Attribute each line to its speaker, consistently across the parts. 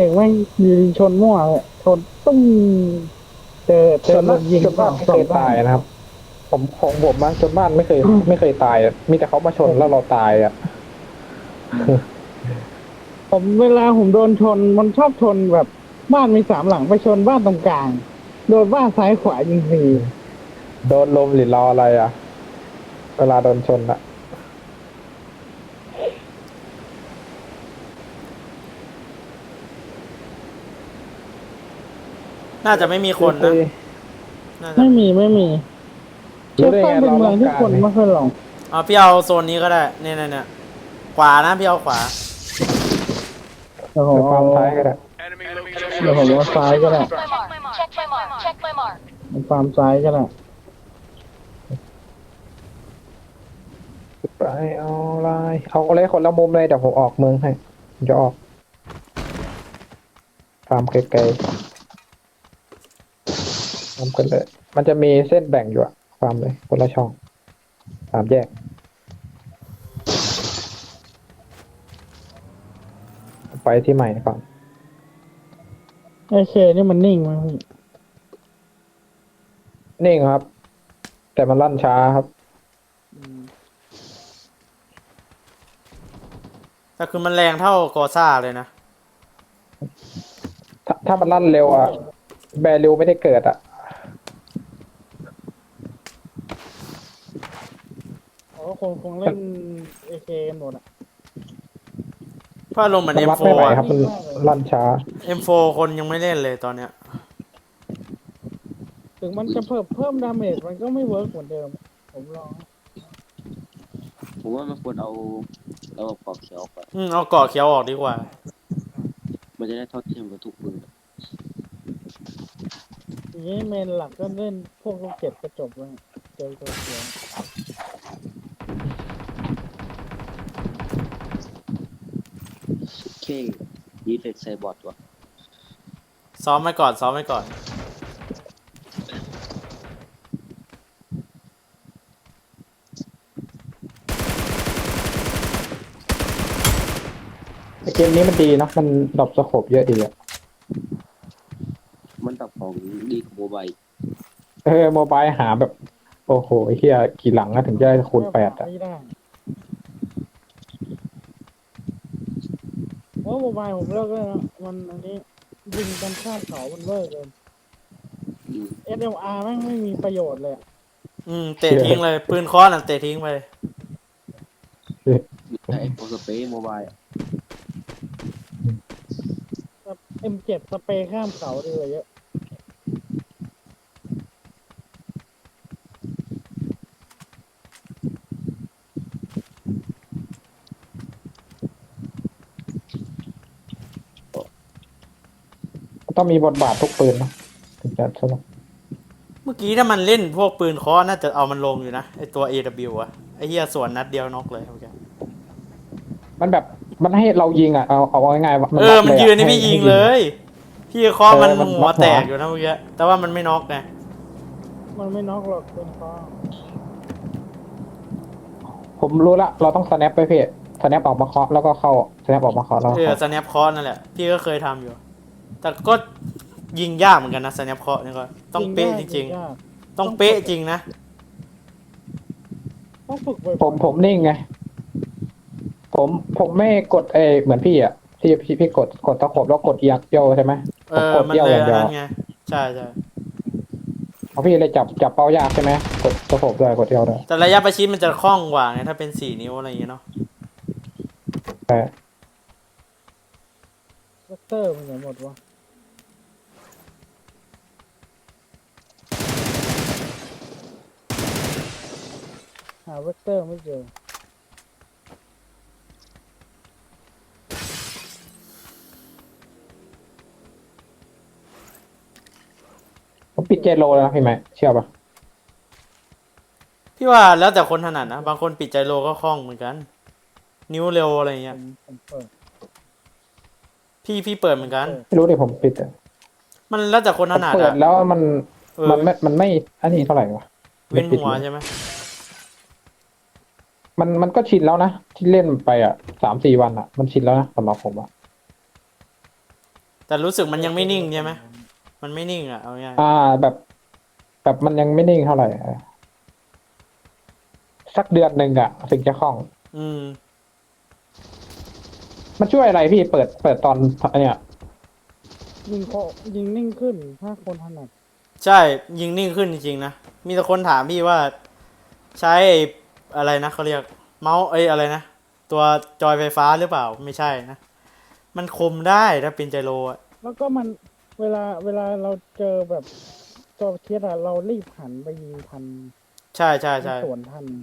Speaker 1: เอกไม่ยิงชนมั่วเลยชนตุ้มเจอลมยิง
Speaker 2: จนบ้านไม่เคยตายนะครับผมของผมนะจนบ้านไม่เคยตายอะมีแต่เขามาชนแล้วเราตายอ่ะ
Speaker 1: ผมเวลาผมโดนชนมันชอบชนแบบบ้านมี3 หลังไปชนบ้านตรงกลางโดนบ้านซ้ายขวายิงฟรี
Speaker 2: โดนลมหรือรออะไรอ่ะเวลาโดนชนอ่ะ
Speaker 3: น่าจะไม่มีคนนะน่าจะ
Speaker 1: ไม่มีเชี
Speaker 2: รู้
Speaker 1: ยง
Speaker 2: ได้ไงเรา
Speaker 1: ใต้เป็นเมืองที่คน
Speaker 2: ต้องการเนี่ย
Speaker 1: ไม่ค่อยลง
Speaker 3: เอาพี่เอาโซนนี้ก็ได้เนี่ยขวานะพี่เอาขวา
Speaker 1: เดี๋ยวผ
Speaker 2: เดี๋ยวฟา
Speaker 1: มเอา
Speaker 2: ร์มท้ายก็ได้
Speaker 1: เดี๋ยวผมเอาซ้ายก็ได้
Speaker 4: Check my mark. Check my mark.
Speaker 1: ผมฟาร์มซ้ายก็ได้
Speaker 2: ไปเอาอะไรคนละมุมเลยเดี๋ยวผมออกเมืองให้ผมจะออกฟาร์มไกลๆฟาร์มกันเลยมันจะมีเส้นแบ่งอยู่อะฟาร์มเลยคนละช่อง3 แยกไปที่ใหม่ก่อน
Speaker 1: ไอเคนี่มันนิ่งมั้ยพี่
Speaker 2: นิ่งครับ แต่มันลั่นช้าครับ
Speaker 3: แต่คือมันแรงเท่ากอซ่าเลยนะ
Speaker 2: ถ้ามันลั่นเร็วอะแบริวไม่ได้เกิดอะ
Speaker 1: เขาก็คงเล่นเอเคกันหมดอ่ะ
Speaker 3: เพราะลมณ์เหมือน
Speaker 2: มันวัด
Speaker 3: M4
Speaker 2: ไม่ไหว
Speaker 3: อะ
Speaker 2: ครับมันลั่นช้า
Speaker 3: M4 คนยังไม่เล่นเลยตอนเนี้ย
Speaker 1: ถึงมันจะเพิ่มดาเมจมันก็ไม่เวิร์กเหมือนเดิมผมลอง
Speaker 5: ผมว่ามันควรเอาปอกเขียวไป
Speaker 3: เอาเกาะเขียวออกดีกว่า
Speaker 5: มันจะได้เท่าเทียมกับทุกปืน
Speaker 1: ทีนี้เมนหลักก็เล่นพวกลูกเก็บกระจบเลยเจอตัวเสียง
Speaker 5: เคดีเฟกใส่บอทวะ
Speaker 3: ซ้อมไว้ก่อนซ้อมไว้ก่อน
Speaker 2: เกมนี้มันดีนะมันดรอปสโคปเยอะดีอะ
Speaker 5: มันตับของดีกว่าโมบาย
Speaker 2: โมบายหาแบบ โอ้โหเฮียกี่หลังอะถึงจะได้คูณ8อะ
Speaker 1: ไม่ได้เพราะโมบายผมเลิกแล้วนะมันอันนี้ยิงกันข้ามเขามันเลิกเลย
Speaker 5: อืม
Speaker 1: SLR แม่งไม่มีประโยชน์เลยอะ
Speaker 3: เตะทิ้งเลยปืนค้อนเตะทิ้งไป
Speaker 5: แต่ไอ้โปรสเปรย์โมบายอะ
Speaker 1: M7 สเปรย์ข้ามเขาดีกว่าเยอะ
Speaker 2: ต้องมีบทบาททุกปืนนะถึงจะสนุก
Speaker 3: เมื่อกี้ถ้ามันเล่นพวกปืนค้อนน่าจะเอามันลงอยู่นะไอตัว AW อะไอเฮียสวนนัดเดียวน็อกเลยโอเค
Speaker 2: มันแบบมันให้เรายิงอ่ะเอาง่ายๆว่ามัน
Speaker 3: มันยืนนี่พี่ยิงเลย พี่เคาะมันหัวแตก
Speaker 2: หัว
Speaker 3: อยู่นะเมื่อกี้แต่ว่ามันไม่น็อกไง
Speaker 1: มันไม่น็อกหรอกเป็นฟ้า
Speaker 2: ผมรู้ละเราต้องสแนปไปพี่สแนปออกมาเคาะแล้วก็เข้าสแนปออกมาเคาะแล้วก็เข้า
Speaker 3: สแนปเคาะนั่นแหละพี่ก็เคยทำอยู่ แต่ก็ยิงยากเหมือนกันนะสแนปเคาะนี่ก็ต้องเป๊ะจริงๆต้องเป๊ะจริงนะ
Speaker 1: ต้องฝึกบ่อย
Speaker 2: ผมนิ่งไงผมไม่กดเหมือนพี่อ่ะพี่กดตะขบแล้วกดเอียงเดียวใช่ไหมผมกด
Speaker 3: มัน
Speaker 2: เดียว
Speaker 3: เล
Speaker 2: อย ย่างเดียว
Speaker 3: นั่นไงใช่
Speaker 2: เพราะพี่เลยจับเป้ายากใช่ไหมกดตะขบด้วยกดเดียวด้วย
Speaker 3: แต่ระยะประชิดมันจะคล่องกว่าไงถ้าเป็น4 นิ้วอะไรอย่างเงี้ยเนาะ
Speaker 2: แต่
Speaker 1: เวกเตอร์มันไหนหมดวะหาเวกเตอร์ไม่เจอ
Speaker 2: ผมปิดเจโรแล้วนะพี่ไหมเชื่อปะ
Speaker 3: พี่ว่าแล้วแต่คนถนัดนะบางคนปิดใจโลก็คล่องเหมือนกัน นิ้วเร็วอะไรอย่างเงี้ย
Speaker 1: ผมเปิด
Speaker 3: พี่เปิดเหมือนกัน
Speaker 2: ไม่รู้ดิผมปิดอะ
Speaker 3: มันแล้วแต่คนถนัด
Speaker 2: เปิด
Speaker 3: อะ
Speaker 2: แล้วมัน
Speaker 3: เออ
Speaker 2: มันไม่อันนี้เท่าไหร่วะ
Speaker 3: เว้นหัว
Speaker 2: ไม่ปิดเลย
Speaker 3: ใช่ไหม
Speaker 2: มันก็ชินแล้วนะที่เล่นไปอ่ะ3-4 วันอ่ะมันชินแล้วนะสำหรับผมอ่ะ
Speaker 3: แต่รู้สึกมันยังไม่นิ่งใช่ไหมมันไม่นิ่งอ่ะเอาง่าย
Speaker 2: แบบมันยังไม่นิ่งเท่าไหร่สักเดือนหนึ่งอะถึงจะคล่อง
Speaker 3: อืม
Speaker 2: มันช่วยอะไรพี่เปิดตอนเนี่ย
Speaker 1: ยิงโคยิงนิ่งขึ้นถ้าคนถนัด
Speaker 3: ใช่ยิงนิ่งขึ้นจริงๆนะมีแต่คนถามพี่ว่าใช้ไอ้อะไรนะเขาเรียกเมาส์อะไรนะตัวจอยไฟฟ้าหรือเปล่าไม่ใช่นะมันคมได้ถ้าเป็นไจโรอะ
Speaker 1: แล้วก็มันเวลาเราเจอแบบตัวเคสอะเรารีบหันไปยิงทัน
Speaker 3: ใช่ใช่ใช่
Speaker 1: สวนทัน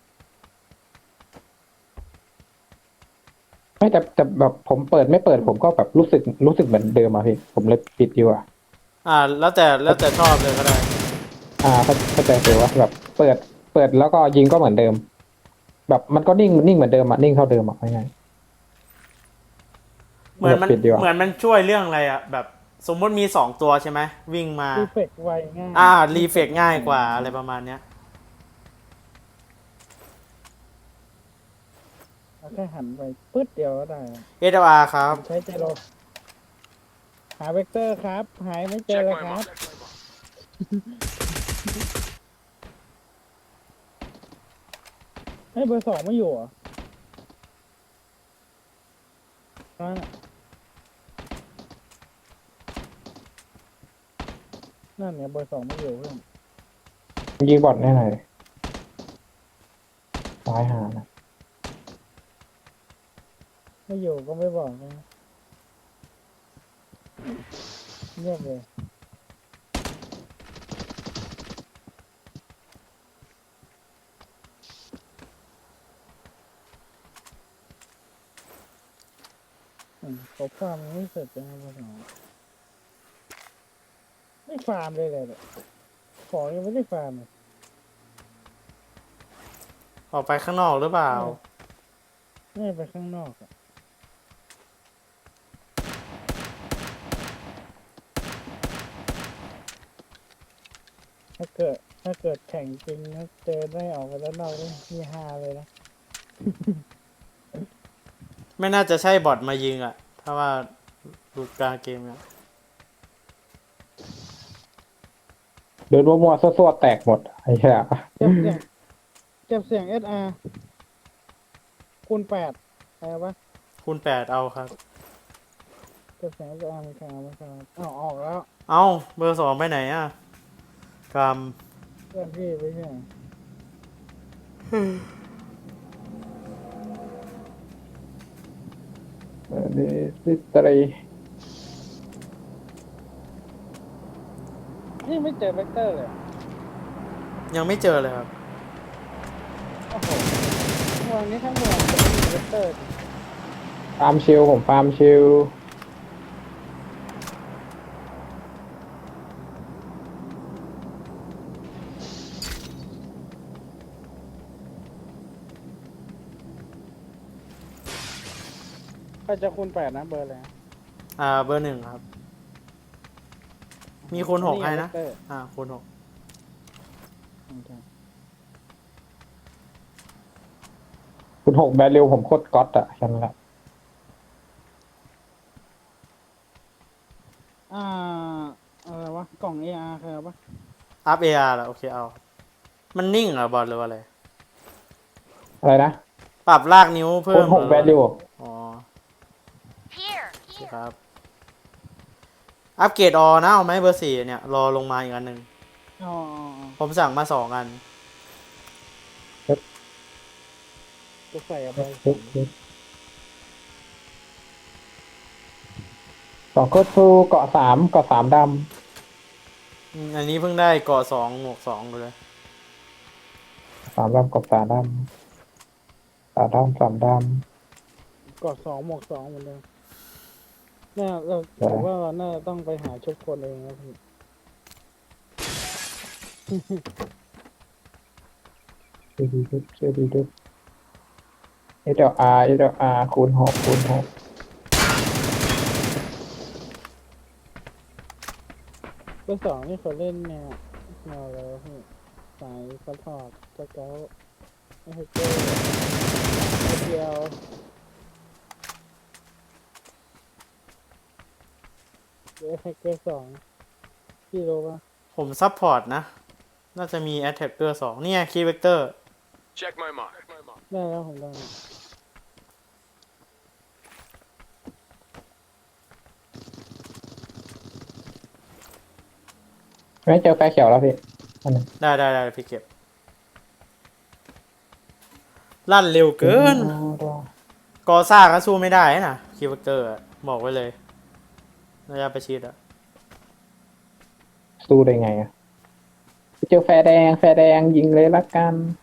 Speaker 2: ไม่แต่แบบผมเปิดไม่เปิดผมก็แบบรู้สึกเหมือนเดิมอะพี่ผมเลยปิดดีกว่า
Speaker 3: แล้วแต่ชอบเลยก็ได้
Speaker 2: เข้าใจเลยว่าแบบเปิดแล้วก็ยิงก็เหมือนเดิม แบบมันก็นิ่งเหมือนเดิมอะนิ่งเท่าเดิมอะง่ายๆ
Speaker 3: เหมือนมัน
Speaker 2: ปิดดีกว่า
Speaker 3: เหมือนมันช่วยเรื่องอะไรอะแบบสมมติมี2 ตัวใช่ไหมวิ่งมา
Speaker 1: รีเฟกไวง่าย
Speaker 3: รีเฟกง่ายกว่าอะไรประมาณเนี้ย
Speaker 1: เราแค่หันไปปึ๊ดเดียวก็ได้
Speaker 3: SLR ครับ
Speaker 1: ใช้ใจเราหาเวกเตอร์ครับ หายไม่เจอเลยครับ ให้เบอร์สองไม่อยู่เหรอนั่นเนี่ยเบอร์สองไม่อยู่เพื่อน
Speaker 2: ยิงบอลแน่เลยซ้ายหานะ
Speaker 1: ไม่อยู่ก็ไม่บอกนะเงียบเลยเขาฟาร์มยังไม่เสร็จเลยนะเบอร์สองไม่ฟาร์มเลยเลยเนี่ยของยังไม่ได้ฟาร์มเลย
Speaker 3: ออกไปข้างนอกหรือเปล่า
Speaker 1: ไม่ไปข้างนอกอะถ้าเกิดแข่งจริงนะเจอได้ออกไปแล้วนอกนี่มีฮาเลยนะ
Speaker 3: ไม่น่าจะใช่บอทมายิงอ่ะ ถ้าว่าดูกลางเกมเนี่ย
Speaker 2: เดินมั่วๆซั่วๆแตกหมดไอ้เหี้ย
Speaker 1: เก็บเสียง SR คูณ8อะไรวะ
Speaker 3: คูณ 8เอาครับ
Speaker 1: เก็บเสียง SR ไม่ครับไม่ครับอ้าวออกแล้ว
Speaker 3: เอาเบอร์ 2ไปไหนอ่ะกรรม
Speaker 1: เพื่อนพี่ไปที่ไหน
Speaker 2: ดิสตรี
Speaker 1: นี่ไม่เจอเวกเตอร์เลย
Speaker 3: ยังไม่เจอเลยครับ
Speaker 1: โอ้โหวันนี้ทั้งเมืองจะไม่มีเวกเตอร์
Speaker 2: ฟาร์มชิลผมฟาร์มชิล
Speaker 1: ก็จะคูณ8นะเบอร์เลย
Speaker 3: เบอร์ 1ครับ มีคูณ 6ให้นะ คูณ 6
Speaker 2: คุณ6แบรเร็วผมโคตรก๊อตอะแค่นั้นแหละ
Speaker 1: อะไรวะ กล่อง AR คืออะไรวะ
Speaker 3: อัพ AR แล้วโอเคเอา มันนิ่งเหรอบอทหรือว่าอะไร
Speaker 2: อะไรนะ
Speaker 3: ปรับลากนิ้วเพิ่
Speaker 2: คุณ
Speaker 3: ม
Speaker 2: 6แบรเร็ว
Speaker 3: อ๋อ
Speaker 4: Here.
Speaker 3: โอเคครับ อัปเกรดออนะเอาไหมเบอร์ 4เนี่ยรอลงมาอีกอันหนึ่ง
Speaker 1: อ๋อ
Speaker 3: ผมสั่งมา2 อัน
Speaker 1: จะใส่อะไร
Speaker 2: สองโคตรฟูเกาะ3ด
Speaker 3: อันนี้เพิ่งได้เกาะ2หมวก2เลย
Speaker 2: ำ3ดำเกาะ3ดำ3ดำ
Speaker 1: กด2หมวก2เหมือนเดิมเนี่ยเราผมว่าเราน่าจะต้องไปหาชุดคนเองนะพี่
Speaker 2: เชื่อดีด้วย SLR คูณ 6
Speaker 1: เบอร์สองนี่เขาเล่นแนวอะไรวะพี่สายซัพพอร์ตสเกลไม่ใช่เกมเดียวเดี๋ยวแฮกเกอร์สองพี่รู้ปะ
Speaker 3: ผมซัพพอร์ตนะ น่าจะมี Attacker 2เนี่ย Key Vector
Speaker 6: Check my mark.
Speaker 1: ได้แล้วผมได้
Speaker 2: ไม่เจอแฟร์เขียวแล้วพี่อันนึง
Speaker 3: ได้พี่เก็บ ลั่นเร็วเกิน กอซ่าก็สู้ไม่ได้นะ Key Vector อะบอกไว้เลยระยะประชิดอะ
Speaker 2: สู้ได้ไงอะไปเจอแฟร์แดงยิงเลยละกัน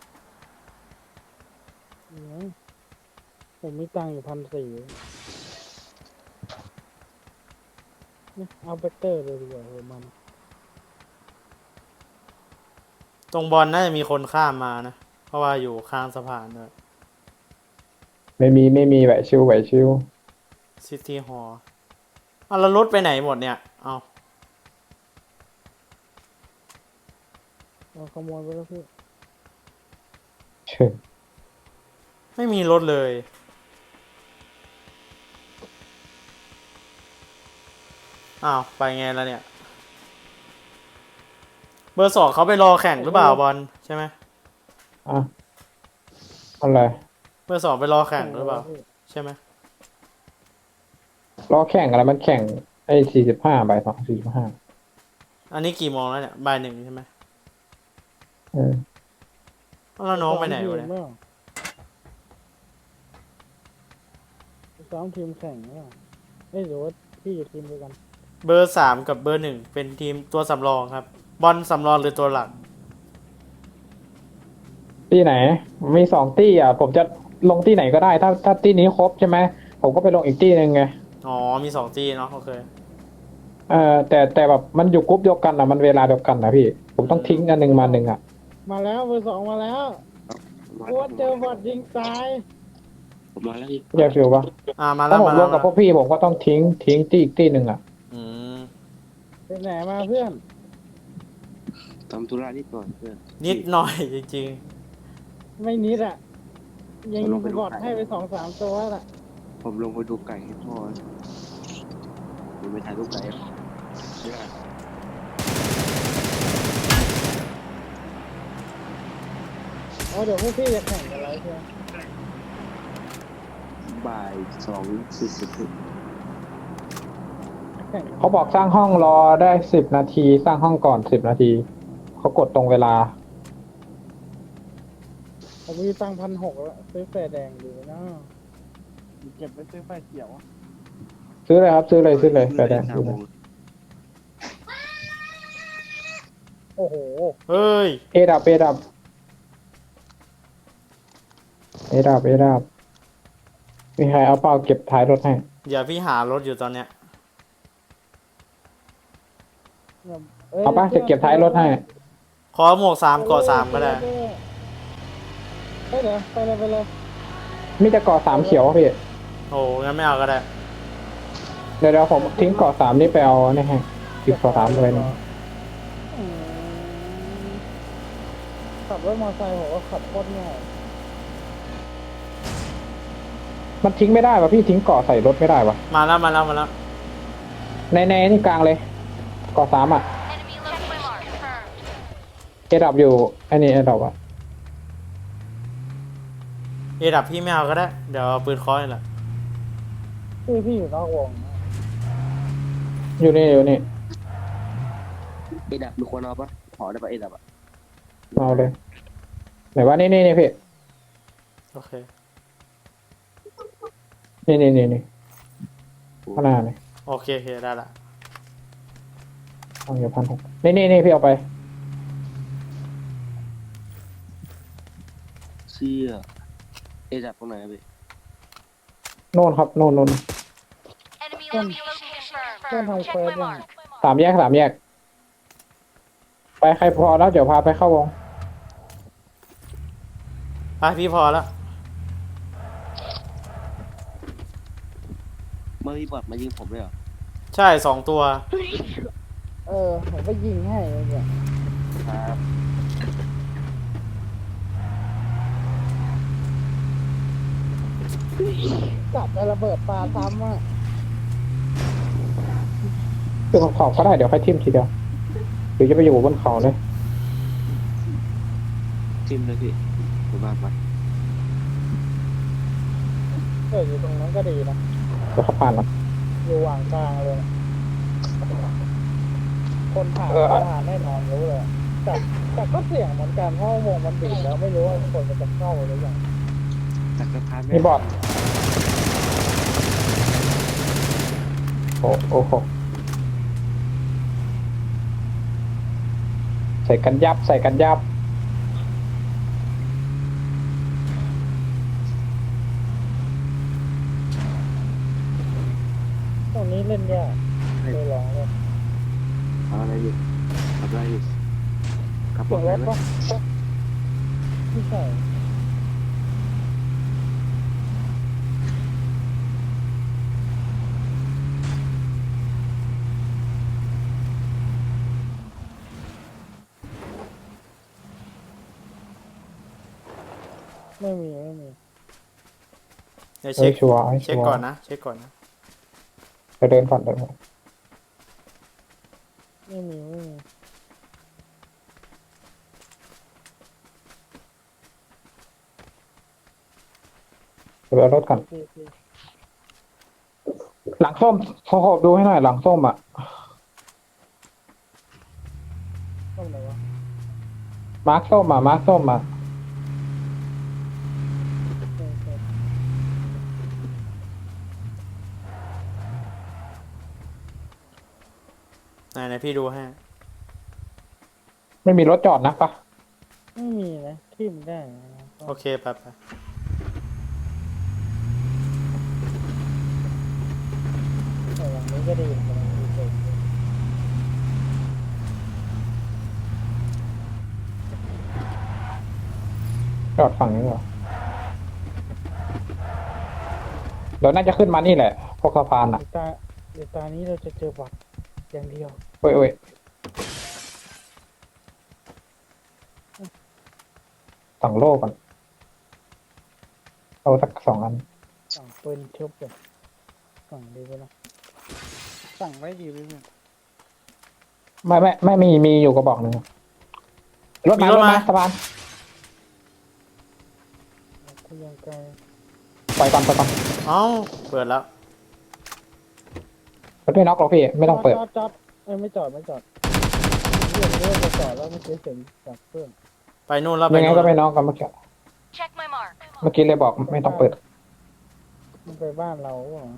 Speaker 1: ผมมีตังค์อยู่1,400เอาเบเตอร์เลยดีกว่าเออมัน
Speaker 3: ตรงบอลน่าจะมีคนข้ามมานะ เพราะว่าอยู่ข้างสะพานด้วย
Speaker 2: ไม่มีไหวชิว
Speaker 3: City Hall เอาแล้วรถไปไหนหมดเนี่ย เอา
Speaker 1: เอาขโมยไปแล้วพี่
Speaker 2: เชิญ
Speaker 3: ไม่มีรถเลย อ้าว ไปไงแล้วเนี่ย เบอร์ 2เขาไปรอแข่งหรือเปล่าบอลใช่ไหม
Speaker 2: อ่ะอะไร
Speaker 3: เบอร์ 2ไปรอแข่งหรือเปล่า ใช่ไหม
Speaker 2: รอแข่งอะไรมันแข่งไอ้45 บ่าย 2 45
Speaker 3: อันนี้กี่โมงแล้วเนี่ยบ่าย 1ใช่ไหม
Speaker 2: เออ
Speaker 3: แล้วน้องไปไหนวะเนี่ย
Speaker 1: ซ้อมทีมแข่งหรือเปล่าเอ้ยหรือว่าพี่อยู่ทีมเดียวกัน
Speaker 3: เบอร์ 3กับเบอร์ 1เป็นทีมตัวสำรองครับ บอลสำรองหรือตัวหลัก
Speaker 2: ที่ไหน มี2ตี้อ่ะ ผมจะลงที่ไหนก็ได้ ถ้าตี้นี้ครบใช่ไหมผมก็ไปลงอีกตี้หนึ่งไง
Speaker 3: อ๋อ มี2ทีเนาะโอเค
Speaker 2: แต่แบบมันอยู่กรุ๊ปเดียวกันอ่ะมันเวลาเดียวกันนะพี่ ผมต้องทิ้งอันหนึ่งมาหนึ่งอ่ะ
Speaker 1: มาแล้วเบอร์สองมาแล้วโอ้เจอบอดยิงตาย
Speaker 5: ผมมาแล้วพี่
Speaker 2: อยากฟิวปะ
Speaker 3: มาแล้
Speaker 2: ถ้าว ผม
Speaker 3: มา
Speaker 2: ล
Speaker 3: แล้ว
Speaker 2: งกับพวกพี่ผมก็ต้องทิ้งตี้อีกตี้หนึ่งอ่ะ
Speaker 3: อืม
Speaker 1: เป็นไหนมาเพื่อน
Speaker 5: ทำธุระนิดก่อนเพื่อน
Speaker 3: นิดหน่อยจริง
Speaker 1: ไม่นิดอ่ะ ยิงบอดให้ไป2-3ตัวละ
Speaker 5: ผมลงไปดูไก่ให้พ่อผมไปถ่ายรูปไก่ไม่ได้
Speaker 1: อ๋อเดี๋ยวพวกพี่จะแข่งกันแล้วใช่ไหม
Speaker 5: บ่าย2:40
Speaker 1: แข่ง
Speaker 2: เขาบอกสร้างห้องรอได้10 นาที สร้างห้องก่อน10 นาที เขากดตรงเวลา
Speaker 1: ผมมีตังค์1,600แล้วซื้อแฟร์แดงดีนะเก็บไปซื้อไฟเขียว
Speaker 2: ซื้อเลยครับซื้อเลยไปได้ซื้อเลย
Speaker 1: โอ้โห
Speaker 3: ๆ เฮ้ย
Speaker 2: เอดับมีใครเอาเป้าเก็บท้ายรถให้
Speaker 3: เดี๋ยวพี่หารถอยู่ตอนเนี้ย
Speaker 2: เอาปะจะเก็บท้ายรถให้
Speaker 3: ขอหมวก3ก่อ3ก็ได้
Speaker 1: เฮ้ยเดี๋ยวไปเลย
Speaker 2: มีแต่เกาะ3เขียวพี่
Speaker 3: โอ้งั้นไม่เอาก็ได้
Speaker 2: เดี๋ยวผมทิ้งเกาะ3นี่ไปเอานี่ให้หยิบเกาะ3เลยนะ
Speaker 1: อืมขับรถมอเตอร์ไซค์ผมว่าขับโคตรง่าย
Speaker 2: มันทิ้งไม่ได้วะพี่ทิ้งเกาะใส่รถไม่ได้วะ
Speaker 3: มาแล้ว
Speaker 2: ในนี่กลางเลยเกาะ3อ่ะ
Speaker 4: Enemy located. Confirmed.
Speaker 2: เอดับอยู่ไอ้นี่เอดับอ่ะ
Speaker 3: เอดับพี่ไม่เอาก็ได้ เดี๋ยวเอาปืนเคอนี่แหละ
Speaker 1: พี่อยู่นอกวงนะ
Speaker 2: อยู่นี่
Speaker 5: เอดับมีคนเอาปะขอได้ปะเอดับอ่ะ
Speaker 2: เอาเลยไหนว่านี่พี่
Speaker 3: โอเค
Speaker 2: นี่ข้างหน้าเลย
Speaker 3: โอเคได้ละ
Speaker 2: เอาอยู่1,600นี่พี่เอาไป
Speaker 5: เสื้อเอดับตรงไหนอะพี่
Speaker 2: โน่นครับโน่น
Speaker 4: Enemy location confirmed.
Speaker 1: เพื่อนทำเฟิร์ส
Speaker 4: Check my
Speaker 1: ยัง
Speaker 4: mark.
Speaker 2: 3 แยกไปใครพอแล้วเดี๋ยวพาไปเข้าวง
Speaker 3: ไปพี่พอแล้ว
Speaker 5: เมื่อพี่บอดมายิงผมเลยเหรอ
Speaker 3: ใช่2ตัว
Speaker 1: ผมก็ยิงให้เนี่ย
Speaker 5: ครับ
Speaker 1: จับไประเบิดปลาซ้ำอ่ะ
Speaker 2: อยู่บนเขาก็ได้เดี๋ยวค่อยทิ่มทีเดียวหรือจะไปอยู่บนเขาเลย
Speaker 5: ทิมเลยพี่ดูบ้านไป
Speaker 1: อยู่ตรงนั้นก็ดีนะ
Speaker 2: เดี๋ยวเขาผ่านมา
Speaker 1: อยู่หว่างกลางเลยนะคนผ่านก็ผ่านแน่นอนรู้เลยแต่ก็เสี่ยงเหมือนกันเพราะวงมันบีบแล้วไม่รู้ว่าคนมันจะเข้าหรือยัง
Speaker 5: ตักสะพาน
Speaker 2: มีบอดโอ้โหใส่กันยับใส่กันยับ
Speaker 1: ตรงนี้เล่นยากเลยลองเลย
Speaker 5: ทำอะไรอยู่ทำอะไรอยู่ขับร
Speaker 1: เสีย
Speaker 5: ถ
Speaker 1: ง
Speaker 5: ไห
Speaker 1: ร
Speaker 5: น
Speaker 1: ถ
Speaker 5: ไหม
Speaker 1: ปะไม่ใช่ไม่มี
Speaker 3: เดี๋ยว
Speaker 2: เฮ้ยชัวร์ให้
Speaker 3: เช็ค
Speaker 2: ชัว
Speaker 3: ก่อน
Speaker 2: ร์
Speaker 3: นะเช็คก่อนนะ
Speaker 2: ไปเดินก่อนเดินก่อน
Speaker 1: ไม่มี
Speaker 2: เดี๋ยวเอารถก่อน
Speaker 1: พี่
Speaker 2: หลังส้มขอดูให้หน่อยหลังส้มอ่ะ
Speaker 1: ต้องไหนวะ
Speaker 2: มาร์คส้มอ่ะมาร์คส้มอ่ะ
Speaker 3: ไหนพี่ดูให้
Speaker 2: ไม่มีรถจอดนะปะ
Speaker 1: ไม่มีนะทิมได้นะ
Speaker 3: โอเคไป
Speaker 1: แต่อย่างนี้ก็ดีเหมือนกันดีเกิน
Speaker 2: จอดฝั่งนี้เหรอเดี๋ยวน่าจะขึ้นมานี่แหละพวกสะพานอ่ะ
Speaker 1: เดี๋ยวตานี้เราจะเจอบัตรอย่างเดียว
Speaker 2: เว้ยเว้ยสั่งโล่ก่อนเอาสัก2 อัน
Speaker 1: สั่งปืนชุบเลยสั่งดีไปละสั่งไว้ดีไปเนี่ย
Speaker 2: ไม่มีอยู่กระบอกหนึ่งรถมาสะพาน
Speaker 1: กูยังไกล
Speaker 2: ปล่อยก่อนปล่อยก่อน
Speaker 3: เอ้าเปิดแล้ว
Speaker 2: รถไม่น็อกหรอกพี่ไม่ต้องเปิด
Speaker 1: จอดไม่จอดเรื่องจะจอดแล้วไม่เสียเสียงจากเพื่อน
Speaker 3: ไปนู่นแล้วไป
Speaker 2: ยังไง
Speaker 3: นู่น
Speaker 2: ก็
Speaker 3: แล้ว
Speaker 2: ไม่น็อกกันเมื่อกี้
Speaker 4: Check my mark.
Speaker 2: เมื่อกี้เลยบอกไม่ต้องเปิด
Speaker 1: มันไปบ้านเราหรอ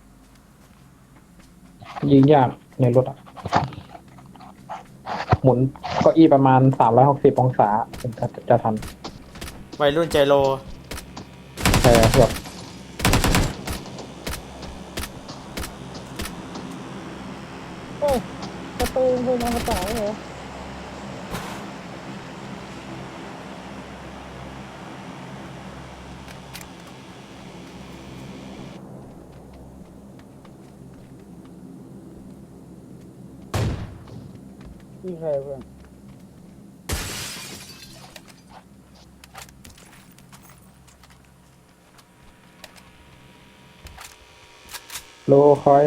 Speaker 2: ยิงยากในรถอ่ะหมุนเก้าอี้ประมาณ360 องศาถึงจะทัน
Speaker 3: วัยรุ่นใจโล
Speaker 2: แบบ
Speaker 1: เฮ้ยประตูเป็นอมตะเหรอนี่ใครเพื่อน
Speaker 2: โลคอย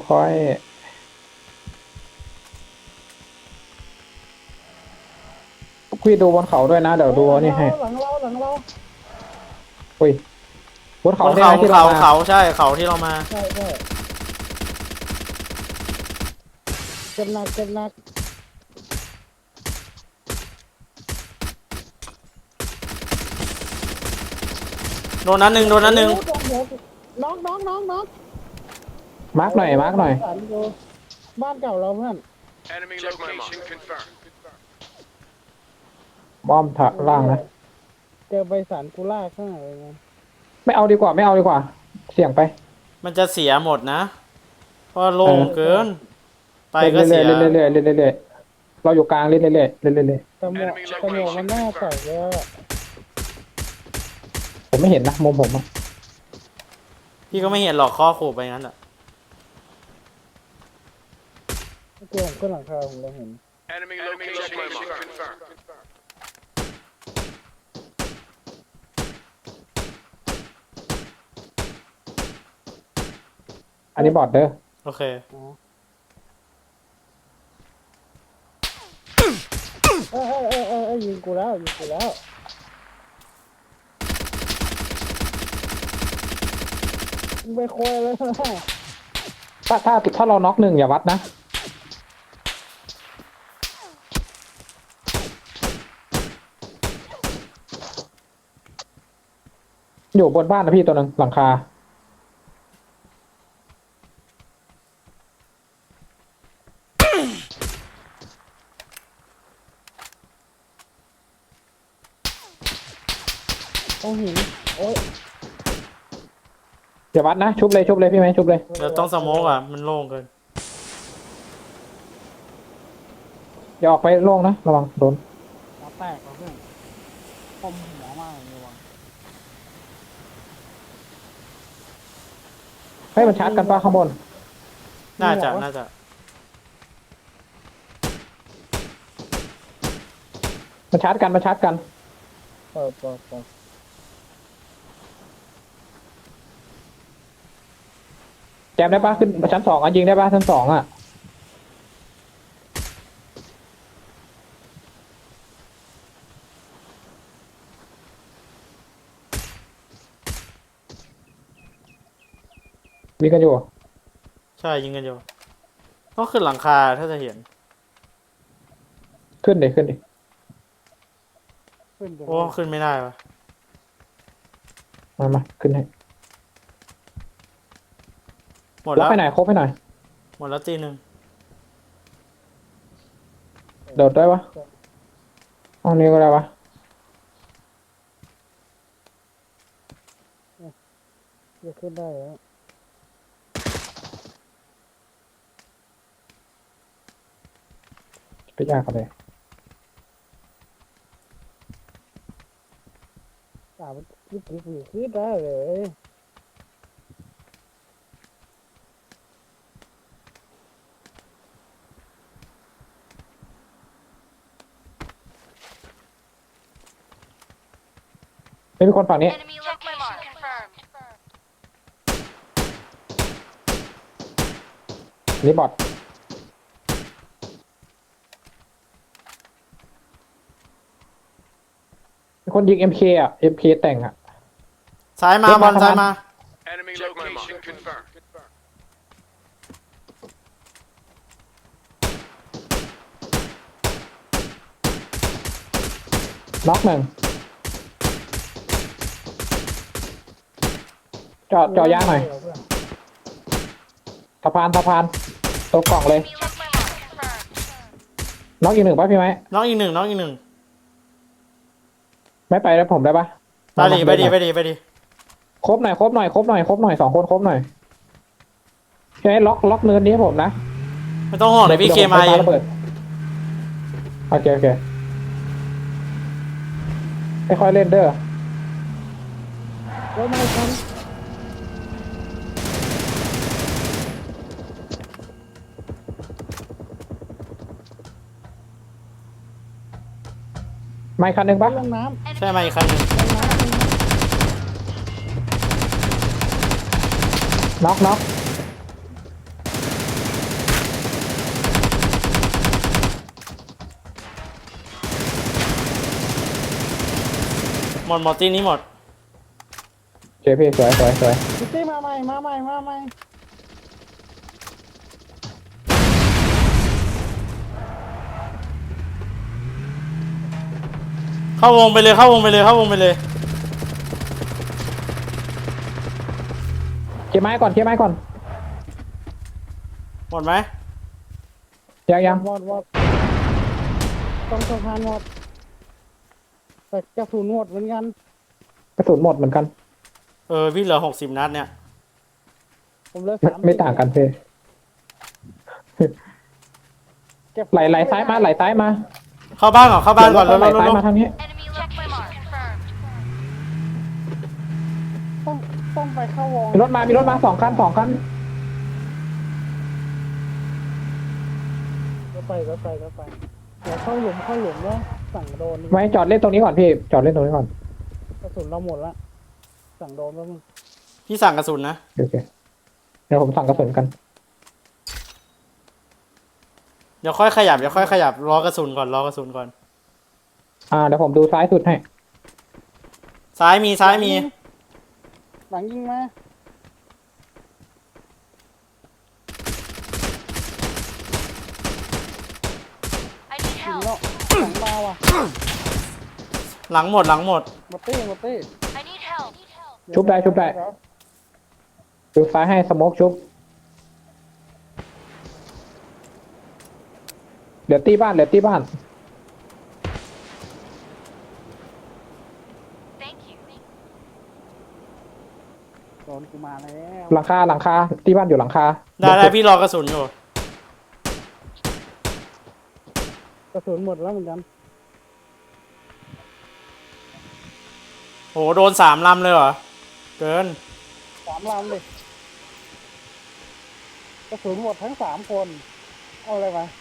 Speaker 2: พี่ดูบนเขาด้วยนะเดี๋ยวดูนี่ให้
Speaker 1: หลังเรา
Speaker 2: อุ้ยบนเขา
Speaker 3: บน
Speaker 2: ได้
Speaker 3: เขา
Speaker 2: ไหมที่เรามา
Speaker 3: เขาใช่เขาที่เรามา
Speaker 1: ใช่เจ็บหนัก
Speaker 3: โดนนั้นหนึ่ง
Speaker 1: น้อง
Speaker 2: มาร์กหน่อย
Speaker 1: บ้านเก่าเราเพื่อน
Speaker 6: Enemy location confirmed.
Speaker 2: บ้อมถักล่างนะ
Speaker 1: เจอใบสันกูล่าข้างหน้าเลยนะ
Speaker 2: ไม่เอาดีกว่า เสี่ยงไป
Speaker 3: มันจะเสียหมดนะเพราะโล่งเกิน ไปก็เสีย
Speaker 2: เรื่อยๆเราอยู่กลางเรื่อยๆเรื่อย
Speaker 1: แต่หมวกมันน่าใส่แล้วอะ
Speaker 2: ๆผมไม่เห็นนะมุมผมอะ
Speaker 3: พี่ก็ไม่เห็นหรอกข้อขู่ไปงั้นแหละ
Speaker 1: เกี่ยวผมขึ้นหลังคาผมเลยเห็น
Speaker 6: Enemy location confirmed.
Speaker 2: อันนี้บอดเด้อ
Speaker 3: โอเค
Speaker 1: ยิงกูแล้วยิงกูแล้วมึงไปโคยเลยนะ
Speaker 2: ถ้าเราน็อกหนึ่งอย่าวัดนะอยู่บนบ้านนะพี่ตัวหนึงหลังคา
Speaker 1: ต้องหินโอ๊ย
Speaker 2: อย่าวัดนะชุบเลยพี่ไหมชุบเลย
Speaker 3: เดี๋ยวต้องสโมกอ่ะมันโล่งเกิน
Speaker 2: อย่าออกไปโล่งนะระวังโดน
Speaker 1: หัวแตกแล้วเพื่อนคมหัวมากเลยว่ะ
Speaker 2: ให้มันชาร์จกันป่ะข้างบน
Speaker 3: น่าจะ
Speaker 2: มันชาร์จกัน
Speaker 1: เปิด
Speaker 2: แจมได้ป่ะขึ้นชั้นสองอ่ะยิงได้ป่ะชั้นสองอ่ะมีกันอยู่
Speaker 3: ใช่ยิงกันอยู่ต้องขึ้นหลังคาถ้าจะเห็น
Speaker 2: ขึ้นดิ
Speaker 1: ขึ้นเดี๋ยว
Speaker 3: โอ้ขึ้นไม่ได้ปะ
Speaker 2: มาขึ้นให้
Speaker 3: หมด
Speaker 2: ล็อ
Speaker 3: แล้
Speaker 2: ก
Speaker 3: ว
Speaker 2: ให้หน่อยครบให้หน่อย
Speaker 3: หมดแล้วตีหนึ่ง
Speaker 2: โดดได้ปะห้องนี้ก็ได้ปะ
Speaker 1: จะขึ้นได้แล้ว
Speaker 2: ไปยากกันเลย
Speaker 1: มันขึ้นได้เลย
Speaker 2: ไม่มีคนฝั่งนี้
Speaker 4: Enemy location confirmed.
Speaker 2: นี่บอทมีคนยิง MK อ่ะ MK แต่งอ่ะ
Speaker 3: ซ้ายมา
Speaker 2: เฮ้ย
Speaker 3: บอล
Speaker 2: มา
Speaker 3: ซ้าย
Speaker 2: ทำไม
Speaker 3: มา
Speaker 6: Enemy location confirmed.
Speaker 2: น็อกหนึ่งจอดย่างหน่อยสะพานตัวกล่องเลย
Speaker 4: Enemy check my mark. Confirmed.
Speaker 2: น็อกอีกหนึ่งป่ะพี่ไหม
Speaker 3: น้องอีกหนึ่ง
Speaker 2: ไม่ไปแล้วผมได้ป่ะ
Speaker 3: ไปดิ
Speaker 2: ครบหน่อยสองคนครบหน่อยใช่ล็อกเนินนี้ให้ผมนะ
Speaker 3: ไม่ต้องห่วงเลยพี่เคมาเอง
Speaker 2: ระเบิดโอเคค่อยๆเล่นเด้อ
Speaker 1: รถไม่ทัน
Speaker 2: ไม่คันหนึ่งป่ะ
Speaker 1: ลงน้
Speaker 3: ใช่มาอีกคันหนึง
Speaker 2: น็อก
Speaker 3: หมดตีนี้หมด
Speaker 2: โอเคพี่สวย
Speaker 1: ำพี่ตี้มาใหม่
Speaker 3: เข้าวงไปเลย
Speaker 2: เคลียร์ไม้ก่อน
Speaker 3: หมดไหม
Speaker 2: ยัง
Speaker 1: วอดต้องสะพานหมดแต่กระสุนหมดเหมือนกัน
Speaker 2: กระสุนหมดเหมือนกัน
Speaker 3: พี่เหลือ60 นัดเนี่ย
Speaker 1: ผมเหลือ
Speaker 2: ไม่ต่างกันพี่
Speaker 1: เก็บ
Speaker 2: ไหลซ้ายมา
Speaker 3: เข้าบ้านก่อน
Speaker 2: ไหลซ้าย
Speaker 3: เร็ว
Speaker 2: มาทางนี้
Speaker 4: Enemy check my mark. Confirmed.
Speaker 1: ต้องไปเข้าวง
Speaker 2: มีรถมาสองคัน
Speaker 1: ก็ไปเดี๋ยวเข้าหลุมแล้วสั่งโดน
Speaker 2: ไว้จอดเล่นตรงนี้ก่อนพี่จอดเล่นตรงนี้ก่อน
Speaker 1: กระสุนเราหมดละสั่งโดนแล้วมึง
Speaker 3: พี่สั่งกระสุนนะ
Speaker 2: โอเคเดี๋ยวผมสั่งกระสุนกัน
Speaker 3: เดี๋ยวค่อยขยับรอกระสุนก่อน
Speaker 2: เดี๋ยวผมดูซ้ายสุดให้
Speaker 3: ซ้ายมีซ้ายมี
Speaker 1: หลังยิงมา
Speaker 4: I need
Speaker 1: ยิง
Speaker 4: help.
Speaker 1: แล้วหลังมาว่ะ
Speaker 3: หลังหมดหลังหมด
Speaker 1: หมดตี้หมดตี้
Speaker 4: I need help.
Speaker 2: ชุบได้ชุบได้ ดูซ้ายให้สโมกชุบเหลือตีบ้านเหลือตีบ้าน
Speaker 4: Thank you.
Speaker 1: โดนกูมาแล้ว
Speaker 2: หลังคาหลังคาตีบ้านอยู่หลังคา
Speaker 3: ได้พี่รอกระสุนอยู่
Speaker 1: กระสุนหมดแล้วเหมือนกัน
Speaker 3: โหโดน3 ลำเลยเหรอ เกิน
Speaker 1: 3 ลำเลยกระสุนหมดทั้ง3 คน เอาอะไรมา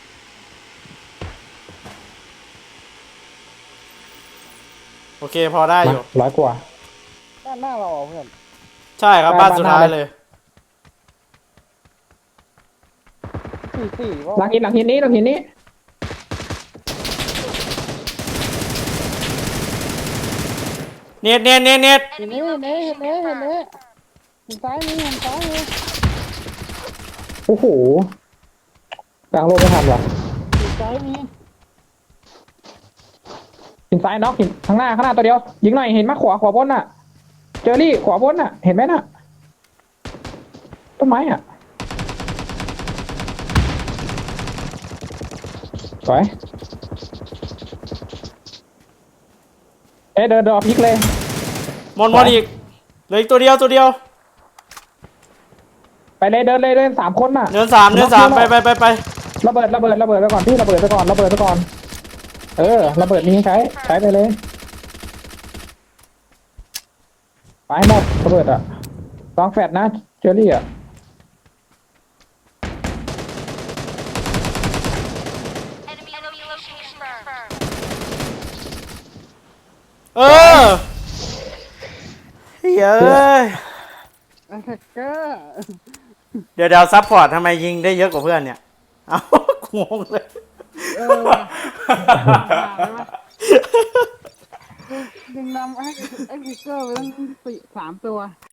Speaker 3: โอเคพอได้อยู่
Speaker 2: 100 กว่า
Speaker 1: ด้านหน้าเราเหรอเพื่อน
Speaker 3: ใช่ครับ
Speaker 2: ได้
Speaker 3: บ้านสุดท้าย
Speaker 2: บ้านหน้า
Speaker 3: เลย
Speaker 1: 4-4ว่า
Speaker 2: หลังหินหลังหินนี้หลังหินนี้
Speaker 3: เน็ตเน็ตเน็ตเน็ต
Speaker 1: เห็นนี้เห็นนี้เห็นนี้เห็นนี้เห็นซ้ายนี้เห็นซ้ายนี้
Speaker 2: โอ้โหกลางโลกไม่ทันว่ะ
Speaker 1: เห็นซ้ายนี้
Speaker 2: หินซ้ายน็อกหินข้างหน้าตัวเดียวยิงหน่อยเห็นมากขวาบนน่ะ เจอรี่ขวาบนน่ะ เห็นไหมน่ะต้นไม้อ่ะสวยเดินรอพลิกเลย
Speaker 3: หมดอีกเหลืออีกตัวเดียวตัวเดียว
Speaker 2: ไปเลยเดินเลย3 คนน่ะ
Speaker 3: เดินสามไป
Speaker 2: ระเบิดไปก่อนพี่ระเบิดไปก่อนระเบิดนี้ใช้ไปเลยไปหมดระเบิดอ่ะลองแฟดนะเจอรี่อ่ะ
Speaker 4: Enemy location confirmed.
Speaker 3: เออเฮ้ยเอ้ย
Speaker 1: แอทแทกเกอร์
Speaker 3: เดี๋ยวซัพพอร์ตทำไมยิงได้เยอะกว่าเพื่อนเนี่ย เอ้างงเลย
Speaker 1: ว่ะยิงนำไอ้พิกเกอร์ไปตั้ง3 ตัว